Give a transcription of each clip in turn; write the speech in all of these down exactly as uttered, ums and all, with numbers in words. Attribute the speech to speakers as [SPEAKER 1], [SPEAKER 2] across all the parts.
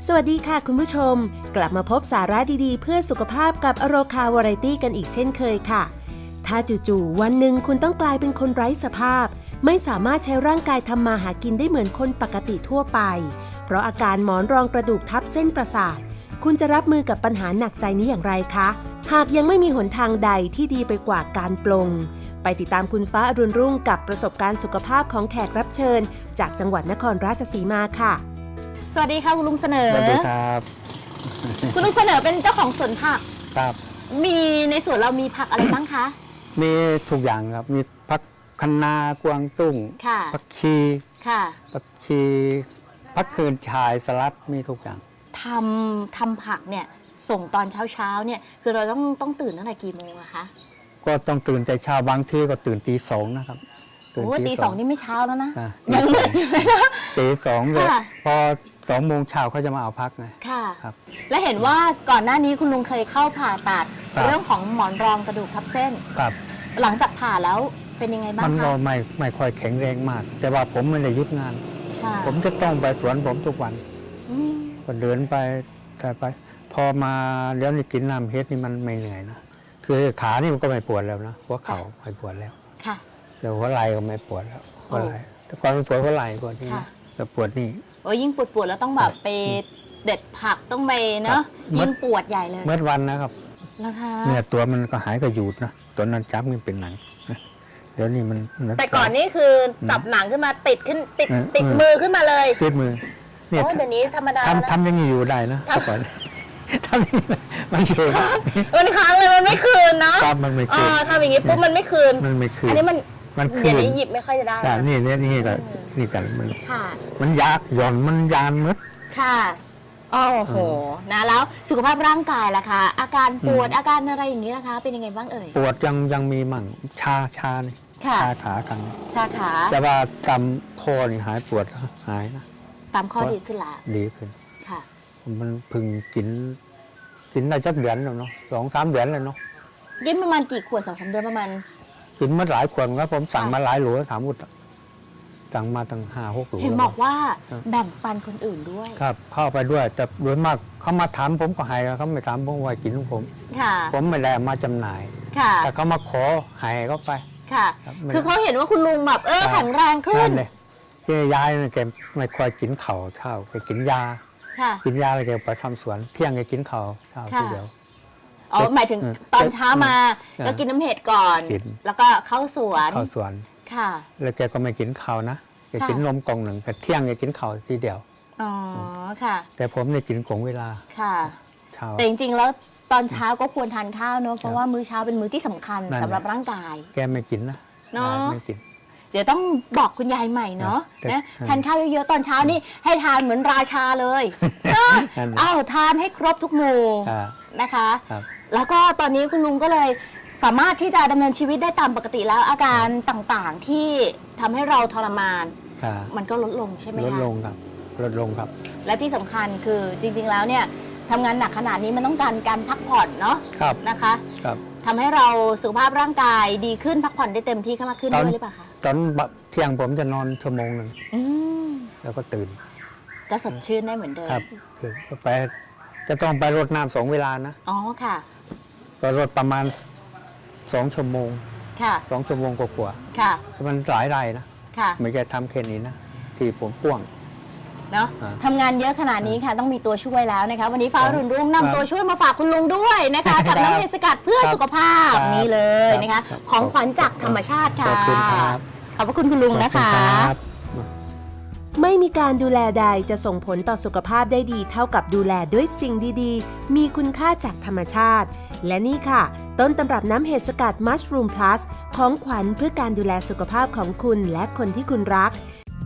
[SPEAKER 1] สวัสดีค่ะคุณผู้ชมกลับมาพบสาระดีๆเพื่อสุขภาพกับอโรคาวาไรตี้กันอีกเช่นเคยค่ะถ้าจู่ๆวันหนึ่งคุณต้องกลายเป็นคนไร้สภาพไม่สามารถใช้ร่างกายทำมาหากินได้เหมือนคนปกติทั่วไปเพราะอาการหมอนรองกระดูกทับเส้นประสาทคุณจะรับมือกับปัญหาหนักใจนี้อย่างไรคะหากยังไม่มีหนทางใดที่ดีไปกว่าการปลงไปติดตามคุณฟ้าอรุณรุ่งกับประสบการณ์สุขภาพของแขกรับเชิญจากจังหวัดนครราชสีมาค่ะสวัสดีค่ะคุณลุงเสนอ
[SPEAKER 2] สวัสดีครับ
[SPEAKER 1] คุณลุงเสนอเป็นเจ้าของสวนผัก
[SPEAKER 2] ครับ
[SPEAKER 1] มีในสวนเรามีผักอะไรบ้างคะ
[SPEAKER 2] มีทุกอย่างครับมีผักคะน้ากวางตุ้งผักชี
[SPEAKER 1] ค่ะ
[SPEAKER 2] ผักชีผักคืนชายสลัดมีทุกอย่าง
[SPEAKER 1] ทำทำผักเนี่ยส่งตอนเช้าเช้าเนี่ยคือเราต้องต้องตื่นตั้งแต่กี่โมงอะคะ
[SPEAKER 2] ก็ต้องตื่นใจเช้าบางทีก็ตื่นตีสองนะครับ
[SPEAKER 1] โอ้ตีสองนี่ไม่เช้าแล้วนะยังมืดอยู่เลยนะ
[SPEAKER 2] ตีสองเลยพอสองโมงเช้าเขาจะมาเอาพักไง
[SPEAKER 1] ค่ะครับและเห็นว่าก่อนหน้านี้คุณลุงเคยเข้าผ่าตัดเรื่องของหมอนรองกระดูกทับเส้น
[SPEAKER 2] ครับ
[SPEAKER 1] หลังจากผ่าแล้วเป็นยังไงบ้างคะ
[SPEAKER 2] มันก็ไม่ไม่ค่อยแข็งแรงมากแต่ว่าผมไม่ได้หยุดงานผมจะต้องไปสวนผมทุกวันก็เดินไปแต่ไปพอมาเดี๋ยวนี้กินน้ำเฮ็ดนี่มันไม่เหนื่อยนะคือขานี่มันก็ไม่ปวดแล้วนะหัวเข่าไม่ปวดแล้ว
[SPEAKER 1] ค่ะ
[SPEAKER 2] เดี๋ยวหัวไหล่ก็ไม่ปวดแล้วหัวไหล่แต่ก่อนมันปวดหัวไหล่ก่อนนี่แต่ปวดนี่
[SPEAKER 1] โอ้ยิ่งปวดปวดแล้วต้องแบบไปเด็ดผักต้องไปเนาะยิ่งปวดใหญ่เลย
[SPEAKER 2] เมื่อวันนะครับ
[SPEAKER 1] แล้วค่ะ
[SPEAKER 2] เนี่ยตัวมันก็หายก็หยุดนะตัวนั้นจับมันเป็นหนังเดี๋ยวนี้มัน
[SPEAKER 1] แต่ก่อนนี่คือจับหนังขึ้นมาติดขึ้นติดติดมือขึ้นมาเลย
[SPEAKER 2] ติดมือ
[SPEAKER 1] เนี่ยเดี๋ยวนี้ธรรมดา
[SPEAKER 2] ทำทำยังอยู่ได้นะก่อนทำยังไม่เชื่อ
[SPEAKER 1] มันค้างเลยมันไม่คืนเนาะ
[SPEAKER 2] มันไม่คืน
[SPEAKER 1] ทำอย่างนี้ปุ๊บมันไม่คืน
[SPEAKER 2] มันไม่คืน
[SPEAKER 1] อันนี้มัน
[SPEAKER 2] มัน
[SPEAKER 1] เดี๋ยวนี้หยิบไม่ค่อยจะได้
[SPEAKER 2] แต่นี่นี่นี่ก็นี่กันมันมันยากหย่อนมันยานมัด
[SPEAKER 1] ค่ะโอ้โหนะแล้วสุขภาพร่างกายล่ะคะอาการปวดอาการอะไรอย่างนี้ล่ะคะเป็นยังไงบ้างเอ่ย
[SPEAKER 2] ปวดยังยังมีมั่งชาชานี่ชาขากัน
[SPEAKER 1] ชาขา
[SPEAKER 2] แต่ว่าตามคอนี่หายปวดหายนะ
[SPEAKER 1] ตามข้อดีขึ้นละ
[SPEAKER 2] ดีขึ้น
[SPEAKER 1] ค่ะ
[SPEAKER 2] มันพึ่งกินกินได้จักเดือนแล้วเนาะสองสามเดือนแล้วเนาะ
[SPEAKER 1] กินประมาณกี่ขวดสองสามเดือนประมาณ
[SPEAKER 2] กินมาหลายขวดแล้วผมสั่งมาหลายโหลถามอุดสั่งมาตั้งห้าหกโหล
[SPEAKER 1] เห็นบอกว่าแบ่งปันคนอื่นด้วย
[SPEAKER 2] ครับเข้าไปด้วยแต่โดยมากเขามาถามผมก็ให้เขาไม่ถามผมว่ากินของผมผมไม่ได้มาจำหน่ายแต่เขามาขอให้เขาไป
[SPEAKER 1] ค่ะคือเขาเห็นว่าคุณลุงแบบเออแข็งแรงขึ้น
[SPEAKER 2] ที่ยายแกไม่ค่อยกินข้าวเช้าแกกินยากินยาอะไรแกไปทำสวนเที่ยงแกกินข้าวเช้าทีเดียว
[SPEAKER 1] อ๋อหมายถึงตอนเช้ามาก็กินน้ำเห็ดก่อนแล้วก็เข้าสวน
[SPEAKER 2] เข้าสวน
[SPEAKER 1] ค่ะ
[SPEAKER 2] แล้วแกก็ไม่กินข้าวนะแกกินนมกล่องหนึ่งแต่เที่ยงแกกินข้าวทีเดียว
[SPEAKER 1] อ๋อค่ะ
[SPEAKER 2] แต่ผมเนี่ยกินกล่องเวลา
[SPEAKER 1] ค่ะเช้าแต่จริงๆแล้วตอนเช้าก็ควรทานข้าวเนอะเพราะว่ามื้อเช้าเป็นมื้อที่สำคัญสำหรับร่างกาย
[SPEAKER 2] แกไม่กินนะ
[SPEAKER 1] เนาะ
[SPEAKER 2] ไม่กิน
[SPEAKER 1] เดี๋ยวต้องบอกคุณยายใหม่เนาะนะทานข้าวเยอะๆตอนเช้านี่ให้ทานเหมือนราชาเลยเอ้าทานให้ครบทุกหมู่นะคะแล้วก็ตอนนี้คุณลุงก็เลยสามารถที่จะดำเนินชีวิตได้ตามปกติแล้วอาการต่างๆที่ทำให้เราทรมานมันก็ลดลงใช่ไหมคะ
[SPEAKER 2] ลดลงครับลดลงครับ
[SPEAKER 1] และที่สำคัญคือจริงๆแล้วเนี่ยทำงานหนักขนาดนี้มันต้องการการพักผ่อนเนาะนะคะทำให้เราสุขภาพร่างกายดีขึ้นพักผ่อนได้เต็มที่มากขึ้นด้วยหรือเปล่าคะ
[SPEAKER 2] ตอนเที่ยงผมจะนอนชั่วโมงหนึ่งแล้วก็ตื่น
[SPEAKER 1] ก็สดชื่นได้เหมือนเดิม
[SPEAKER 2] ครับคือไปจะต้องไปรดน้ำสองเวลานะ
[SPEAKER 1] อ๋อค่ะ
[SPEAKER 2] ก็รดประมาณสองชั่วโมง
[SPEAKER 1] ค่ะ
[SPEAKER 2] สองชั่วโมงกว่า
[SPEAKER 1] ๆค่ะ
[SPEAKER 2] มันหลายรายนะ
[SPEAKER 1] ค่ะ
[SPEAKER 2] ไม่ใช่ทำแค่นี้นะที่ผมพ่วง
[SPEAKER 1] เนาะทำงานเยอะขนาดนี้ค่ะต้องมีตัวช่วยแล้วนะคะวันนี้ฟ้ารุ่นรุ่งนำตัวช่วยมาฝากคุณลุงด้วยนะคะกับน้ำเห็ดสกัดเพื่อสุขภาพนี่เลยนะคะของขวัญจากธรรมชาติค่ะขอบคุณครับขอบพระคุณคุณลุงนะคะไม่มีการดูแลใดจะส่งผลต่อสุขภาพได้ดีเท่ากับดูแลด้วยสิ่งดีๆมีคุณค่าจากธรรมชาติและนี่ค่ะต้นตำรับน้ำเห็ดสกัด Mushroom Plus ของขวัญเพื่อการดูแลสุขภาพของคุณและคนที่คุณรัก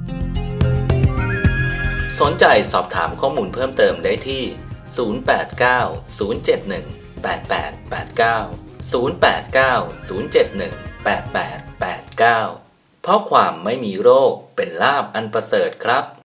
[SPEAKER 3] สนใจสอบถามข้อมูลเพิ่มเติมได้ที่ ศูนย์ แปด เก้า ศูนย์ เจ็ด หนึ่ง แปด แปด แปด เก้า ศูนย์ แปด เก้า ศูนย์ เจ็ด หนึ่ง แปด แปด แปด เก้า เพราะความไม่มีโรคเป็นลาภอันประเสริฐครับ